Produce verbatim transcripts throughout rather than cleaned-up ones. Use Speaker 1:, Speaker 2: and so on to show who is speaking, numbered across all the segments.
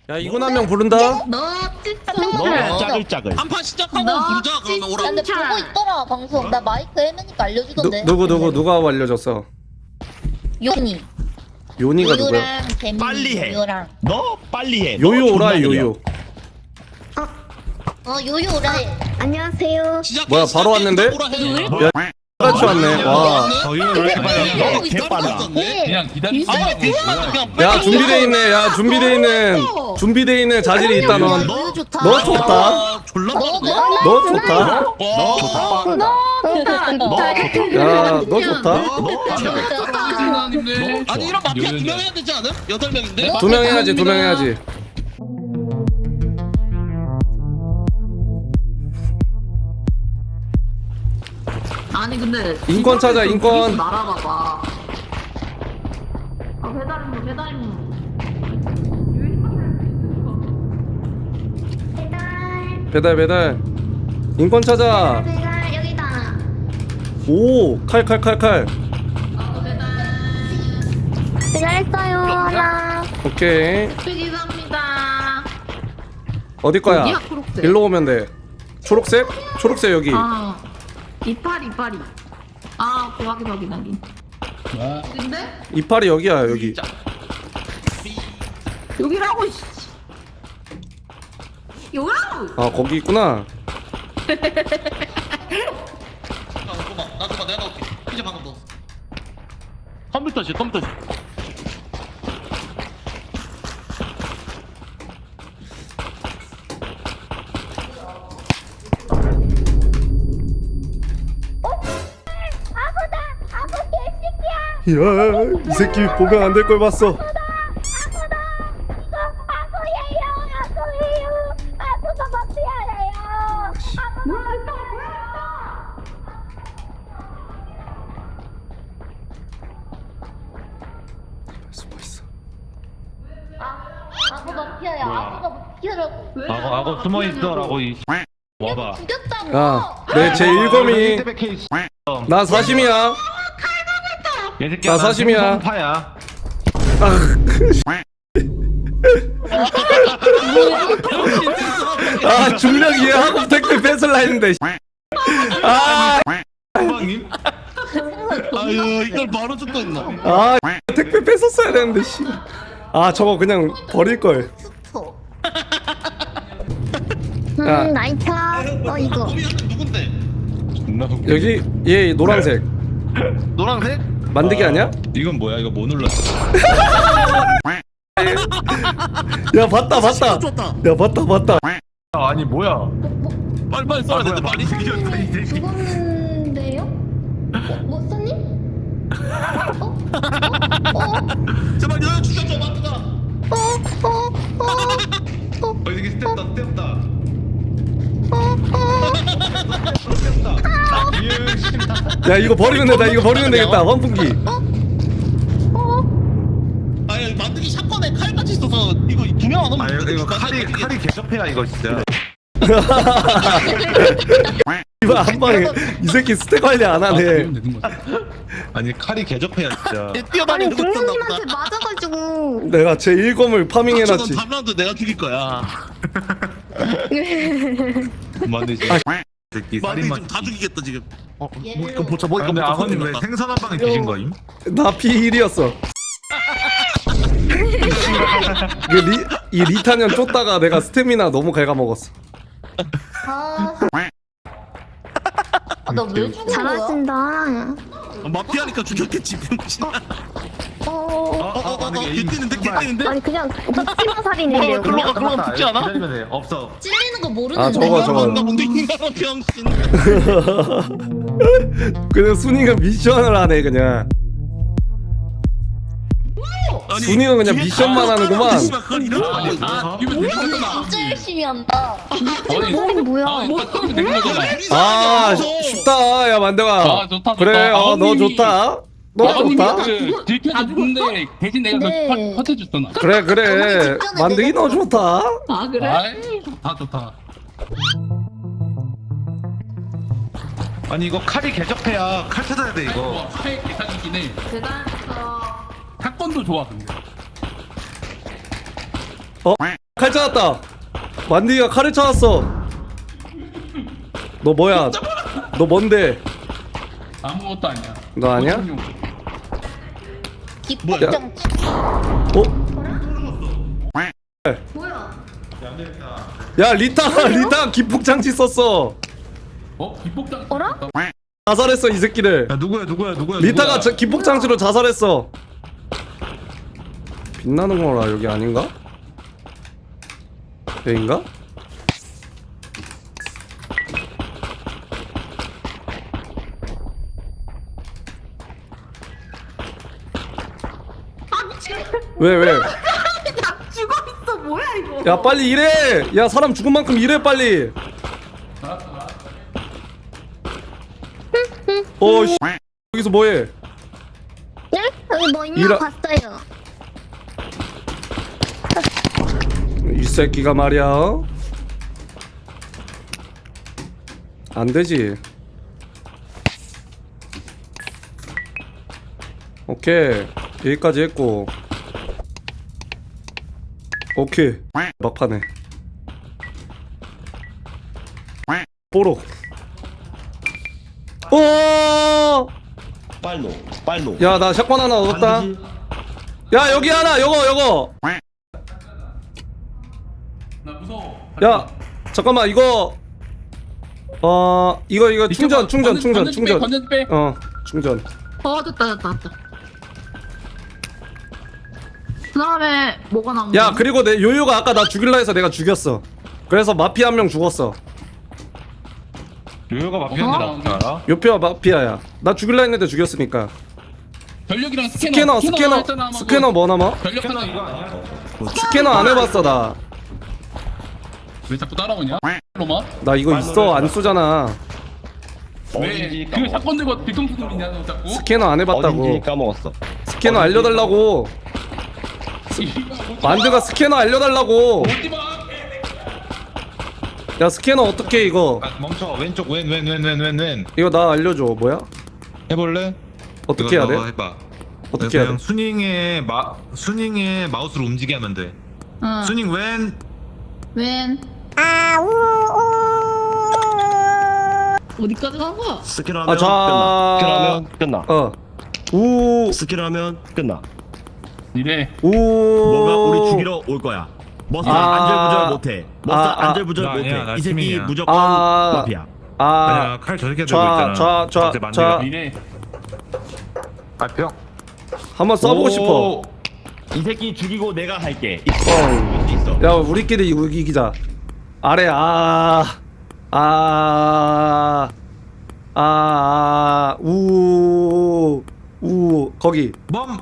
Speaker 1: 야 이군 한 명 부른다.
Speaker 2: 너
Speaker 3: 너 짜글짜글.
Speaker 4: 한판 시작하고
Speaker 2: 너
Speaker 4: 부르자 그러면 오라.
Speaker 5: 근데 보고 있더라 방송. 나 마이크 헤매니까 알려주던데.
Speaker 1: 누, 누구 누구 누가 알려줬어?
Speaker 5: 요니.
Speaker 1: 요니가 누구야?
Speaker 5: 요요랑 재민이.
Speaker 3: 빨리 해.
Speaker 5: 요요랑.
Speaker 3: 너 빨리 해. 너
Speaker 1: 요요 오라
Speaker 3: 존나 느려.
Speaker 1: 요요.
Speaker 5: 어 요요라.
Speaker 2: 안녕하세요.
Speaker 4: 시작해,
Speaker 1: 뭐야, 바로
Speaker 4: 시작해.
Speaker 1: 왔는데?
Speaker 4: 오라 해.
Speaker 1: 야 같이 왔네. 와.
Speaker 3: 저희는 왜 이렇게 빨리
Speaker 4: 너
Speaker 3: 해? 개빨라.
Speaker 4: 그냥 기다리. 아, 대신하자 그냥.
Speaker 1: 야 준비돼 있네. 야 준비돼 있는 준비돼 있는 자질이 있다 넌.
Speaker 5: 요요 좋다.
Speaker 1: 너 좋다.
Speaker 4: 아, 졸라.
Speaker 5: 너 좋다.
Speaker 1: 너 좋다.
Speaker 4: 너 좋다.
Speaker 1: 야 너 좋다.
Speaker 4: 아니 이런 마피아 두 명 해야 되지 않음? 여덟 명인데.
Speaker 1: 두 명 해야지 두 명 해야지.
Speaker 2: 아니 근데
Speaker 1: 인권 찾아, 인권.
Speaker 2: 날아봐봐. 아 배달 임무 배달 임무.
Speaker 1: 배달 배달. 인권 찾아.
Speaker 2: 배달 여기다.
Speaker 1: 오 칼 칼 칼 칼.
Speaker 2: 아 배달.
Speaker 5: 배달했어요. 하나.
Speaker 1: 오케이.
Speaker 2: 감사합니다.
Speaker 1: 어디 거야?
Speaker 2: 어디야, 초록색?
Speaker 1: 일로 오면 돼. 초록색? 초록색 여기.
Speaker 2: 아 이파리 이파리. 아 오케이, 확인 확인 확인. 근데
Speaker 1: 이파리 여기야 여기.
Speaker 2: 여기라고. 씨. 여기라고.
Speaker 1: 아 거기 있구나.
Speaker 4: 나 줘봐 내가 넣을게. 피자 방금 넣었어.
Speaker 3: 컴퓨터실 컴퓨터실.
Speaker 1: 야, 이 새끼 보면 안 될 걸 봤어. 숨어 있어.
Speaker 5: 아고 마피아야. 아고가 마피아라고.
Speaker 3: 악어 악어 숨어 있어라고 이. 와봐.
Speaker 5: 죽였다고.
Speaker 1: 야, 내 제 일검이 나 사심이야.
Speaker 3: 얘 새끼야.
Speaker 1: 나 사심이야.
Speaker 3: 파야.
Speaker 1: 아 중력 이해하고 댓글 뺏을라 했는데. 아,
Speaker 3: 선방님?
Speaker 4: 아유 이걸 바로 죽고 있나?
Speaker 1: 아 택배 뺏었어야 되는데 씨. 아 저거 그냥 버릴 걸.
Speaker 5: 스포.
Speaker 1: 야.
Speaker 5: 음 나이차. 어 이거.
Speaker 4: 범인은 누군데?
Speaker 3: 존나 웃겨.
Speaker 1: 여기 얘 노란색
Speaker 4: 노란색?
Speaker 1: 만들기 아니야?
Speaker 3: 이건 뭐야? 이거 뭐 눌렀어?
Speaker 1: 야 봤다 봤다.
Speaker 4: 좋다.
Speaker 1: 야 봤다 봤다.
Speaker 3: 아, 아니 뭐야?
Speaker 4: 빨리 빨리 써야 되는데 빨리.
Speaker 5: 죽었는데요? 뭐 써님? 어? 어? 어?
Speaker 4: 제발 여유 죽여줘 마트가.
Speaker 5: 어? 어? 어?
Speaker 3: 어 이게 스텝다 스텝다.
Speaker 1: 야 이거 버리면 되다. 이거 버리면 되겠다. 환풍기.
Speaker 4: 아니 만들기 샷건에 칼같이 있어서 이거 두 명 안 오면
Speaker 3: 아 이거, 이거
Speaker 4: 누가
Speaker 3: 칼이
Speaker 4: 죽여?
Speaker 3: 칼이 개접해야 이거 진짜.
Speaker 1: 이거 한 방에 이 새끼 스택 관리 안 하네.
Speaker 3: 아니 칼이 개접해야 진짜.
Speaker 4: 얘 뛰어다니는 거 있었나 보다.
Speaker 5: 맞아가지고.
Speaker 1: 내가 제 일검을 파밍해놨지.
Speaker 4: 다음 라운드 내가 죽일 거야.
Speaker 3: 만드지.
Speaker 1: 아,
Speaker 3: 새끼
Speaker 4: 만들기
Speaker 3: 살인마.
Speaker 4: 지금 다 죽이겠다 지금. 어,
Speaker 5: 얘를-
Speaker 4: 뭐 이거 보자 뭐
Speaker 3: 아,
Speaker 4: 이거
Speaker 3: 근데
Speaker 4: 보자.
Speaker 3: 아버님 왜
Speaker 4: 건드렸다.
Speaker 3: 생선 한 방에 뒤진 거임?
Speaker 1: 나 피 일이었어. 그 리, 이 리타년 쫓다가 내가 스태미나 너무 갉아먹었어.
Speaker 5: 아. 아, 나왜 죽은 거야?
Speaker 2: 잘하신다.
Speaker 4: 어, 마피아니까 죽였겠지 병신.
Speaker 5: 어.
Speaker 4: 어어어어 개뛰는데 개뛰는데.
Speaker 2: 아니 그냥 묵지마 살인인데요.
Speaker 4: 글로 가 글로 가 붙지 않아?
Speaker 3: 기다리면 돼. 없어.
Speaker 5: 찔리는 거 모르는데.
Speaker 1: 아, 저거, 저거.
Speaker 4: 나 뭔데 인간아 병신.
Speaker 1: 그냥 순이가 미션을 하네 그냥.
Speaker 4: 아니,
Speaker 1: 순이가 그냥
Speaker 4: 뒤에
Speaker 1: 미션만
Speaker 4: 다
Speaker 1: 하는구만.
Speaker 4: 씨발, 그건 이런 거 아니야?
Speaker 3: 아,
Speaker 5: 진짜 열심히 한다.
Speaker 2: 살인 뭐야?
Speaker 1: 아 쉽다 야 만대가.
Speaker 6: 아, 좋다,
Speaker 1: 그래
Speaker 6: 좋다.
Speaker 1: 어, 너
Speaker 6: 아버님이-
Speaker 1: 좋다. 너 좋다.
Speaker 6: 들켜줬는데 대신 내가
Speaker 5: 네.
Speaker 6: 그 컷해줬어 나.
Speaker 1: 그래 그래
Speaker 5: 직전에
Speaker 1: 만들기 너
Speaker 5: 내가
Speaker 1: 좋다.
Speaker 2: 아 그래?
Speaker 6: 아이 좋다 좋다.
Speaker 3: 아니 이거 칼이 개접해야 칼 찾아야 돼 이거.
Speaker 6: 스펙 계산이긴 해.
Speaker 2: 대단했어.
Speaker 6: 사건도 좋아 근데.
Speaker 1: 어 칼 찾았다. 만디가 칼을 찾았어. 너 뭐야? 너 뭔데?
Speaker 6: 아무것도 아니야.
Speaker 1: 너 아니야?
Speaker 6: 고정용.
Speaker 5: 기폭장.
Speaker 1: 어?
Speaker 5: 뭐야?
Speaker 1: 야 리타가 리타 기폭장치 썼어.
Speaker 6: 어? 기폭장.
Speaker 5: 어라?
Speaker 1: 자살했어 이 새끼를.
Speaker 3: 야 누구야 누구야 누구야
Speaker 1: 리타가
Speaker 3: 누구야?
Speaker 1: 저 기폭장치로 자살했어. 빛나는 거라 여기 아닌가? 여긴가? 왜 왜?
Speaker 2: 나 죽어 있어 뭐야 이거?
Speaker 1: 야 빨리 일해. 야 사람 죽은 만큼 일해 빨리. 어 씨. 여기서 뭐해?
Speaker 5: 네? 여기 뭐 있나
Speaker 1: 이라-
Speaker 5: 봤어요.
Speaker 1: 이 새끼가 말이야. 어? 안 되지. 오케이 여기까지 했고. 오케이 막판에 뽀록. 오!
Speaker 4: 빨로 빨로.
Speaker 1: 야 나 샷건 하나 얻었다. 야 여기 하나 요거 요거.
Speaker 6: 나 무서워.
Speaker 1: 야 잠깐만 이거 어 이거 이거 충전 충전 충전 충전
Speaker 6: 건전 빼.
Speaker 1: 어 충전.
Speaker 2: 어 됐다 됐다 됐다. 그 다음에 뭐가 남은
Speaker 1: 야
Speaker 2: 거야?
Speaker 1: 그리고 내 요요가 아까 나 죽일라 해서 내가 죽였어. 그래서 마피아 한 명 죽었어.
Speaker 3: 요요가 마피아인데
Speaker 2: 어?
Speaker 3: 어떻게 알아?
Speaker 1: 요표가 마피아야. 나 죽일라 했는데 죽였으니까.
Speaker 6: 전력이랑 스캐너.
Speaker 1: 스캐너 스캐너
Speaker 6: 했잖아, 아마
Speaker 1: 스캐너 뭐 남아?
Speaker 6: 그거. 전력 하나 이거 아니야?
Speaker 1: 스캐너 안 해봤어 나.
Speaker 6: 왜 자꾸 따라오냐? 로마?
Speaker 1: 나 이거 있어 안 쏘잖아.
Speaker 6: 왜? 그 사건 들고 뒤통수 돌리냐 너 자꾸?
Speaker 1: 스캐너 안 해봤다고.
Speaker 4: 어딘지 까먹었어.
Speaker 1: 스캐너 알려달라고. 만드가 스캐너 알려달라고.
Speaker 6: 어디 봐?
Speaker 1: 야 스캐너 어떻게 이거?
Speaker 3: 아, 멈춰 왼쪽 왼 왼 왼 왼 왼 왼
Speaker 1: 이거 나 알려줘. 뭐야?
Speaker 3: 해볼래?
Speaker 1: 어떻게
Speaker 3: 이거
Speaker 1: 해야 돼?
Speaker 3: 너가 해봐.
Speaker 1: 어떻게 해야
Speaker 3: 그냥
Speaker 1: 돼?
Speaker 3: 순잉에 마 순잉에 마우스를 움직이게 하면 돼.
Speaker 2: 응.
Speaker 3: 순잉 왼.
Speaker 2: 웬? 어디까지 간 거야?
Speaker 4: 스킬하면
Speaker 1: 아, 자-
Speaker 4: 끝나. 스킬하면 끝나.
Speaker 1: 어. 우.
Speaker 4: 스킬하면 끝나.
Speaker 6: 이래.
Speaker 1: 우.
Speaker 4: 뭐가 우리 죽이러 올 거야. 머스
Speaker 1: 아.
Speaker 4: 안절부절 못해. 머스
Speaker 1: 아, 아.
Speaker 4: 안절부절
Speaker 3: 나 아니야,
Speaker 4: 못해.
Speaker 3: 나
Speaker 4: 이 새끼
Speaker 3: 팀이야.
Speaker 4: 무조건
Speaker 1: 아.
Speaker 4: 마피아.
Speaker 1: 아.
Speaker 3: 아니야 칼 저렇게 들고
Speaker 1: 좌,
Speaker 3: 있잖아.
Speaker 1: 좌, 좌,
Speaker 3: 갑자기 만들어.
Speaker 1: 좌.
Speaker 6: 이래.
Speaker 3: 발표.
Speaker 1: 한번 써보고 싶어.
Speaker 4: 이 새끼 죽이고 내가 할게.
Speaker 1: 어.
Speaker 4: 수 있어.
Speaker 1: 야 우리끼리 이거 이기자. 아래 아. 아. 아. 아. 우. 우. 거기.
Speaker 3: 멈.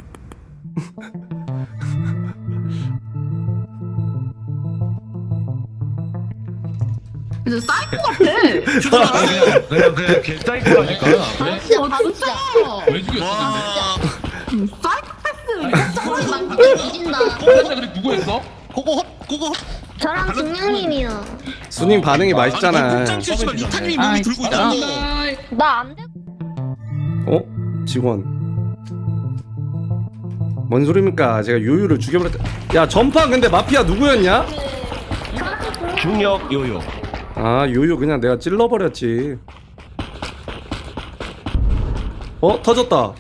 Speaker 2: 이제 사이코 같아.
Speaker 3: 아니, 그냥 그냥 그냥 개짜이거라니까.
Speaker 6: 왜?
Speaker 2: 어 진짜.
Speaker 6: 왜 죽였어 근데?
Speaker 2: 음, 사이코패스.
Speaker 5: 만개 뒤진다.
Speaker 6: 진짜 그래 누구 했어?
Speaker 4: 그거 그거.
Speaker 5: 저랑 중량님이요.
Speaker 1: 순님 반응이 맛있잖아.
Speaker 4: 복장치 씨발 리타님이
Speaker 6: 아이,
Speaker 4: 몸이 들고 있잖아.
Speaker 6: 아이.
Speaker 5: 나 안 돼.
Speaker 1: 어? 직원. 뭔 소리입니까? 제가 요요를 죽여버렸다. 야 전파 근데 마피아 누구였냐?
Speaker 4: 중력 요요.
Speaker 1: 아 요요 그냥 내가 찔러버렸지. 어 터졌다.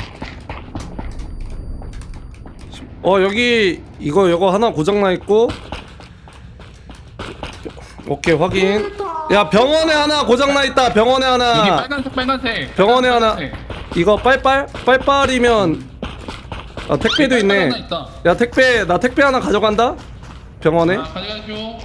Speaker 1: 어 여기 이거 이거 하나 고장나 있고. 오케이 확인. 야 병원에 하나 고장나 있다. 병원에
Speaker 6: 여기
Speaker 1: 하나.
Speaker 6: 빨간색 빨간색.
Speaker 1: 병원에 하나.
Speaker 6: 빨간색.
Speaker 1: 이거 빨빨 빨빨이면 아 택배도 있네.
Speaker 6: 하나 있다.
Speaker 1: 야 택배 나 택배 하나 가져간다. 병원에.
Speaker 6: 아, 가져가죠.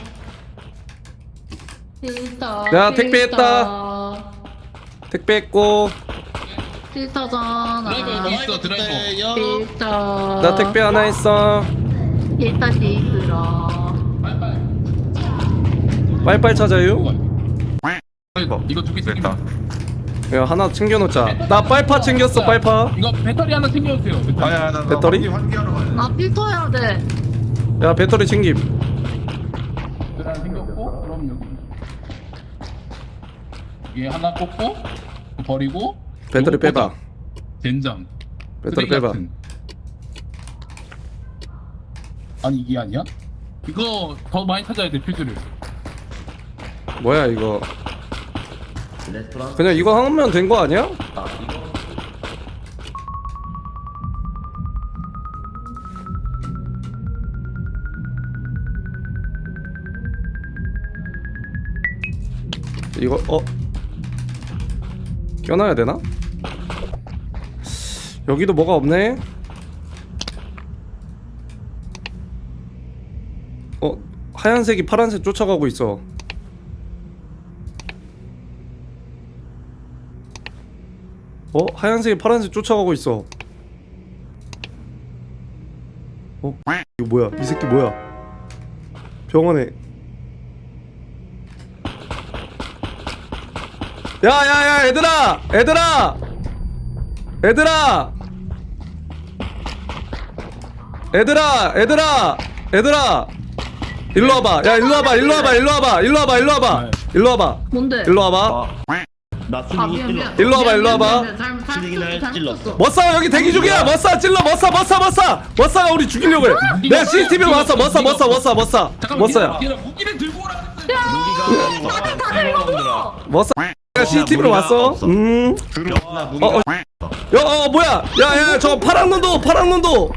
Speaker 2: 필터.
Speaker 1: 야, 택배 했다. 택배 했고.
Speaker 2: 필터잖아.
Speaker 6: 드라이버 여기 있어 드라이버.
Speaker 2: 필터.
Speaker 1: 나 택배 하나 했어.
Speaker 2: 일단 시들어.
Speaker 6: 빨빨.
Speaker 1: 빨빨 찾아요.
Speaker 6: 이거 이거 두개
Speaker 3: 됐다.
Speaker 1: 야 하나 챙겨놓자. 나 빨파 챙겼어 빨파.
Speaker 6: 이거 배터리 하나 챙겨주세요. 배터리.
Speaker 3: 아야 나
Speaker 1: 배터리?
Speaker 3: 환기하러 가야 돼.
Speaker 2: 나 필터 해야 돼.
Speaker 1: 야 배터리 챙김.
Speaker 6: 배터리 하나 챙겼고 그럼 여기. 여기 하나 꽂고 버리고.
Speaker 1: 배터리
Speaker 6: 요거
Speaker 1: 빼봐.
Speaker 6: 꽂아. 젠장.
Speaker 1: 배터리
Speaker 6: 쓰레기
Speaker 1: 빼봐.
Speaker 6: 같은. 아니 이게 아니야? 이거 더 많이 찾아야 돼 퓨즈를.
Speaker 1: 뭐야 이거? 그냥 이거 하면 된 거 아니야? 이거 어 껴놔야 되나? 여기도 뭐가 없네. 어 하얀색이 파란색 쫓아가고 있어. 어 하얀색이 파란색 쫓아가고 있어. 어 이거 뭐야? 이 새끼 뭐야? 병원에. 야야야 얘들아 얘들아 얘들아 얘들아 얘들아 얘들아 일로 와봐. 야 일로 와봐 일로 와봐 일로 와봐 일로 와봐 일로 와봐 일로 와봐
Speaker 2: 뭔데?
Speaker 1: 일로 와봐
Speaker 4: 나
Speaker 2: 아
Speaker 4: 수능이
Speaker 2: 미안 미안.
Speaker 1: 일로 와봐, 일로 와봐.
Speaker 4: 수능이나
Speaker 2: 잘못
Speaker 4: 찔렀어.
Speaker 2: 쳤어.
Speaker 1: 머싸 여기 대기 중이야. 머싸 찔러 머싸 머싸 머싸 머싸가 우리 죽이려고 해. 내가 씨씨티비로 왔어. 머싸 머싸 머싸 머싸
Speaker 6: 잠깐만
Speaker 1: 머싸야
Speaker 6: 얘들아, 무기를 들고 오라 그랬어.
Speaker 1: 머싸 내가 씨씨티비로 왔어. 음
Speaker 4: 나 무기가
Speaker 1: 어, 어. 야, 어, 뭐야? 야, 야, 저 파란 눈도, 파란 눈도.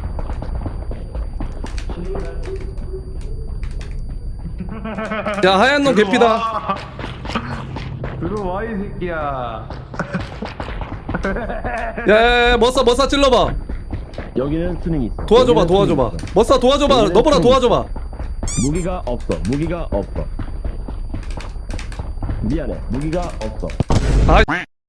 Speaker 1: 야, 하얀 눈 개피다.
Speaker 3: 들어와 이 새끼야.
Speaker 1: 야, 야, 야, 머싸, 머싸 찔러봐.
Speaker 7: 여기는 수능이 있어.
Speaker 1: 도와줘봐,
Speaker 7: 여기는
Speaker 1: 도와줘봐.
Speaker 7: 수능이 있어.
Speaker 1: 머싸 도와줘봐.
Speaker 7: 여기는
Speaker 1: 너보라
Speaker 7: 수능이
Speaker 1: 도와줘봐.
Speaker 7: 무기가 없어. 무기가 없어. 미안해. 무기가 없어.
Speaker 1: 아,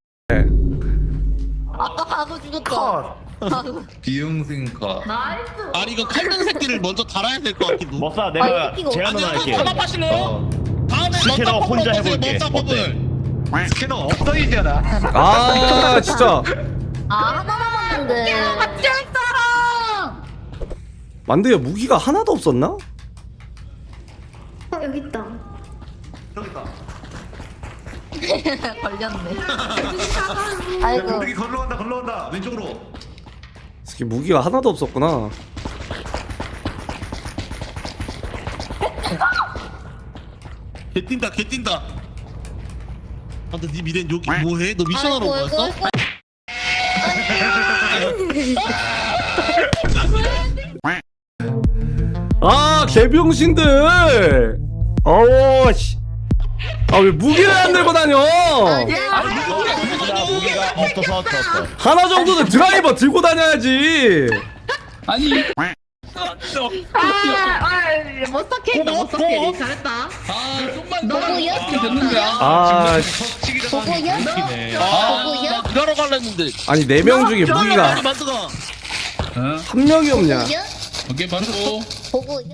Speaker 5: 아까 가고 죽었다.
Speaker 3: 비용생카.
Speaker 2: 나이스.
Speaker 4: 아니 이거 칼등 새끼를 먼저 달아야 될 것 같기도.
Speaker 7: 머싸
Speaker 5: 아,
Speaker 7: 내가
Speaker 5: 이 새끼가
Speaker 7: 제안 하나 할게.
Speaker 4: 한번 하실래요?
Speaker 7: 어.
Speaker 4: 다음에
Speaker 7: 스캐너
Speaker 4: 먼저
Speaker 7: 혼자
Speaker 4: 뽑아보세요,
Speaker 7: 해볼게.
Speaker 4: 먼저
Speaker 7: 어때?
Speaker 4: 뽑을.
Speaker 3: 스캐너 없어이잖아.
Speaker 1: 아, 진짜.
Speaker 5: 아 하나 남았는데.
Speaker 2: 같이 할 사람.
Speaker 1: 만두야 무기가 하나도 없었나?
Speaker 5: 어 여기 있다.
Speaker 2: 걸렸네.
Speaker 5: 아이고.
Speaker 3: 여기 걸러온다 걸러온다 왼쪽으로.
Speaker 1: 이 새끼 무기가 하나도 없었구나.
Speaker 4: 개 뛴다 개 뛴다. 아 근데 니 미래는 여기 뭐해? 너 미션하러 온
Speaker 5: 아이고,
Speaker 4: 거였어?
Speaker 1: 아, 개병신들. 어우 씨. 아, 왜 무기를 안 들고 다녀?
Speaker 7: 무기가 무기가 없어서 졌어.
Speaker 1: 하나 정도는 드라이버 들고 다녀야지.
Speaker 6: 아니
Speaker 2: 아, 멋사 캐릭, 멋사 캐릭 잘했다.
Speaker 6: 아 좀만
Speaker 5: 너구요?
Speaker 6: 됐는데.
Speaker 1: 아, 씨.
Speaker 5: 보고요?
Speaker 4: 아,
Speaker 5: 보고요?
Speaker 4: 나 일하러 갈라 했는데.
Speaker 1: 아니 네 명 중에 무기가
Speaker 4: 빨리 만드가.
Speaker 6: 어?
Speaker 1: 한 명이 없냐?
Speaker 5: 보고요?
Speaker 6: 오케이 바로.
Speaker 5: 보고요?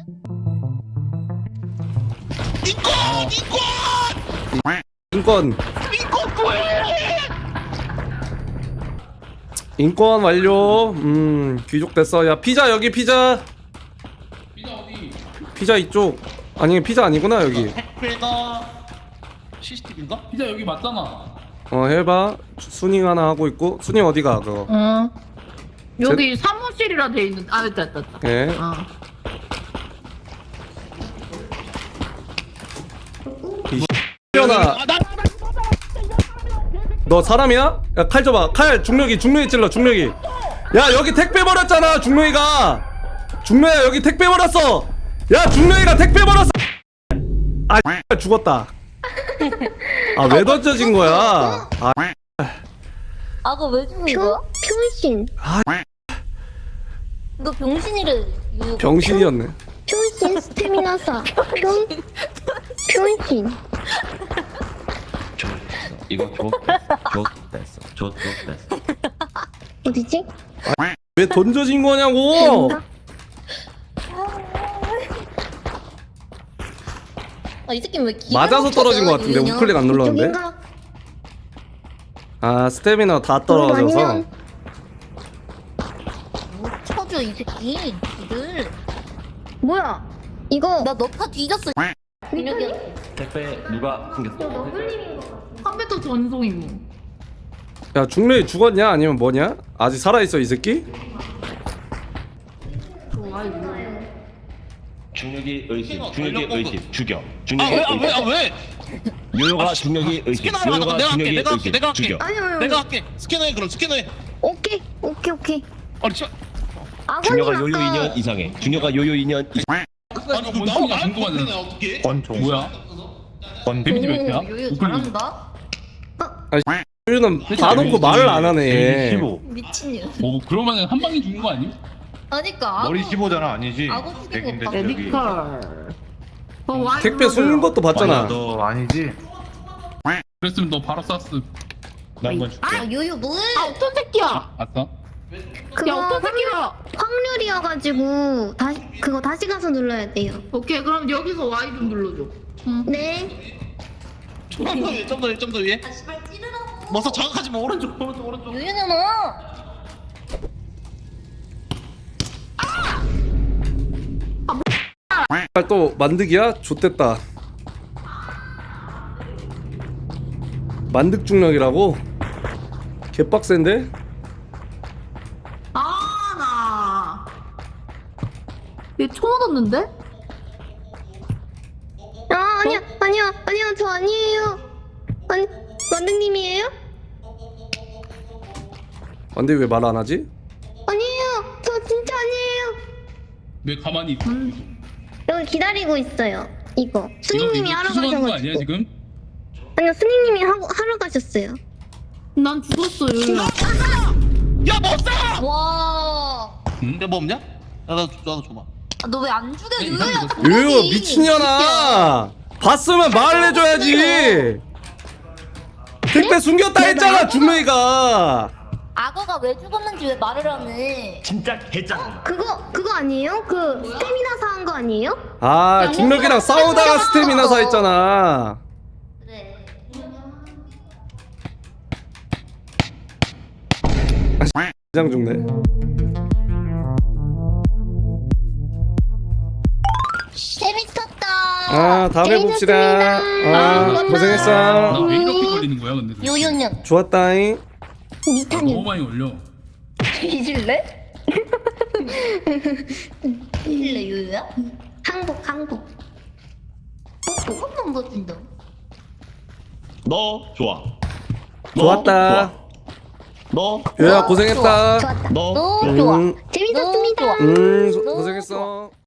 Speaker 4: 이거 이거
Speaker 1: 인권
Speaker 4: 이거 뭐해?
Speaker 1: 인권 완료. 음 귀족 됐어. 야 피자 여기 피자.
Speaker 6: 피자 어디?
Speaker 1: 피자 이쪽. 아니 피자 아니구나 여기.
Speaker 4: 택배가 씨씨티비인가?
Speaker 6: 피자 여기 맞잖아.
Speaker 1: 어 해봐. 순잉 하나 하고 있고. 순잉 어디가 그거?
Speaker 2: 어. 여기 사무실이라 돼 있는. 아 됐다 됐다. 됐다.
Speaker 1: 예.
Speaker 2: 어.
Speaker 1: 나. 너 사람이야? 야 칼 줘봐. 칼 중력이 중력이 찔러 중력이. 야 여기 택배 버렸잖아 중력이가. 중력이야 여기 택배 버렸어. 야 중력이가 택배 버렸어. 아 죽었다. 아 왜 던져진 거야? 아
Speaker 5: 아가 왜 죽은 거야? 병신.
Speaker 1: 아.
Speaker 5: 너 병신이래. 유-
Speaker 1: 병신이었네.
Speaker 5: 병신 스태미나사. 병 병신.
Speaker 7: 이거 좋됐어. 좋됐어.
Speaker 5: 어디지?
Speaker 1: 왜 던져진 거냐고?
Speaker 5: 아 이 새끼 왜 기가
Speaker 1: 맞아서
Speaker 5: 막혀져,
Speaker 1: 떨어진 것 같은데
Speaker 5: 유인형?
Speaker 1: 우클릭 안 눌렀는데?
Speaker 5: 이쪽인가?
Speaker 1: 아 스태미나 다
Speaker 5: 어,
Speaker 1: 떨어져서.
Speaker 5: 아니면- 뭐 쳐줘 이 새끼. 이들. 뭐야? 이거 나 너 파 뒤졌어. 민혁이
Speaker 7: 택배 누가 숨겼어?
Speaker 2: 컴퓨터 전송 임무.
Speaker 1: 야 중력이 죽었냐 아니면 뭐냐? 아직 살아있어 이 새끼?
Speaker 2: 좋아 이거.
Speaker 7: 중력이 의심.
Speaker 4: 어,
Speaker 7: 중력이
Speaker 4: 전력
Speaker 7: 의심. 죽여.
Speaker 4: 아
Speaker 7: 중력이
Speaker 4: 왜 아 왜 아
Speaker 7: 의심.
Speaker 4: 왜?
Speaker 7: 요요가 중력이 의심.
Speaker 4: 스캐너 하러
Speaker 7: 요요가
Speaker 4: 가자. 내가 할게.
Speaker 7: 중력이
Speaker 4: 내가 할게.
Speaker 7: 의심.
Speaker 4: 내가 할게.
Speaker 7: 죽여.
Speaker 5: 아니요, 아니요.
Speaker 4: 내가 할게. 스캐너해 그럼 스캐너해.
Speaker 5: 오케이, 오케이, 오케이.
Speaker 4: 아니 저
Speaker 5: 아버님
Speaker 7: 중력가
Speaker 5: 아까
Speaker 7: 요요 이 년 이상해. 중력가 요요 이 년 이상.
Speaker 4: 아니 그럼 나도
Speaker 6: 원숭이가
Speaker 4: 말
Speaker 6: 궁금하잖아.
Speaker 4: 못했네 어떻게?
Speaker 3: 권총.
Speaker 6: 뭐야? 데미지 몇 개야?
Speaker 5: 오, 요요
Speaker 6: 우클릭.
Speaker 5: 잘한다.
Speaker 1: 유유는 봐놓고 말을 안 하네.
Speaker 3: 십오.
Speaker 5: 미친년.
Speaker 6: 뭐 그러면은 한 방에 죽는 거 아님?
Speaker 5: 그러니까
Speaker 3: 머리 십오잖아 아니지?
Speaker 5: 아고 죽인
Speaker 3: 백인데
Speaker 5: 거
Speaker 3: 저기.
Speaker 2: 메디컬. 어, 와이
Speaker 1: 택배
Speaker 2: 블러드.
Speaker 1: 숨긴 것도 봤잖아.
Speaker 3: 아니야, 너 아니지?
Speaker 6: 그랬으면 너 바로 쐈음.
Speaker 3: 나 한번 줄게.
Speaker 5: 아 요요 뭐해?
Speaker 2: 아 어떤 새끼야?
Speaker 6: 아싸?
Speaker 5: 그거
Speaker 2: 야 어떤 새끼야?
Speaker 5: 확률이어가지고 다시 그거 다시 가서 눌러야 돼요.
Speaker 2: 오케이 그럼 여기서 와이 좀 눌러줘.
Speaker 5: 네.
Speaker 4: 좀더 위에 좀 더 위에 좀 더 위에.
Speaker 5: 아 씨발 찌르라고.
Speaker 4: 머서 자극하지 마 오른쪽 오른쪽 오른쪽.
Speaker 5: 요요잖아.
Speaker 1: 또 만득이야? 좆됐다. 만득 중력이라고? 개빡센데?
Speaker 2: 아 나. 얘총 얻었는데?
Speaker 5: 아 아니야 아니야 아니야 저 아니에요. 아니 만등님이에요?
Speaker 1: 근데 왜 말 안 하지?
Speaker 5: 아니에요. 저 진짜 아니에요.
Speaker 6: 왜 가만히 있어?
Speaker 5: 여기 기다리고 있어요. 이거
Speaker 6: 이거
Speaker 5: 스님님이
Speaker 6: 이거
Speaker 5: 하러
Speaker 6: 추수하는 거 아니야
Speaker 5: 가셔가지고.
Speaker 6: 지금?
Speaker 5: 아니요 스님님이 하고 하러 가셨어요.
Speaker 2: 난 죽었어 요요.
Speaker 4: 야 머싸!
Speaker 5: 와.
Speaker 6: 응?
Speaker 4: 내뭐 없냐? 나도 나도 줘봐.
Speaker 5: 너 왜 안 죽여
Speaker 6: 네,
Speaker 5: 요요야?
Speaker 6: 이거
Speaker 1: 유유 미친년아! 봤으면 말을 해줘야지! 택배 숨겼다 했잖아 중력이가!
Speaker 5: 악어가 왜 죽었는지 왜 말을 안 해?
Speaker 7: 진짜 개짱.
Speaker 5: 그거 그거 아니에요? 그 스태미나 사한 거 아니에요?
Speaker 1: 아 중력이랑 싸우다가 스태미나 사 했잖아.
Speaker 5: 그래.
Speaker 1: 장 죽네.
Speaker 5: 재밌었다.
Speaker 1: 아 다음에 봅시다. 아 고생했어.
Speaker 6: 나 왜 이렇게 걸리는 거야 근데? 도대체?
Speaker 5: 요요년
Speaker 1: 좋았다잉.
Speaker 6: 나 너무
Speaker 5: 니타년
Speaker 6: 많이 걸려.
Speaker 5: 뒤질래? 뒤질래 요요야? 항복 항복. 뽀뽀 한 번 더 준다.
Speaker 7: 너 좋아. 너
Speaker 1: 좋았다.
Speaker 7: 좋아. 너
Speaker 1: 유야 고생했다.
Speaker 5: 좋았다.
Speaker 7: 너
Speaker 5: 너 좋아.
Speaker 1: 음.
Speaker 5: 재밌었습니다.
Speaker 1: 음 소-
Speaker 5: 너무
Speaker 1: 고생했어.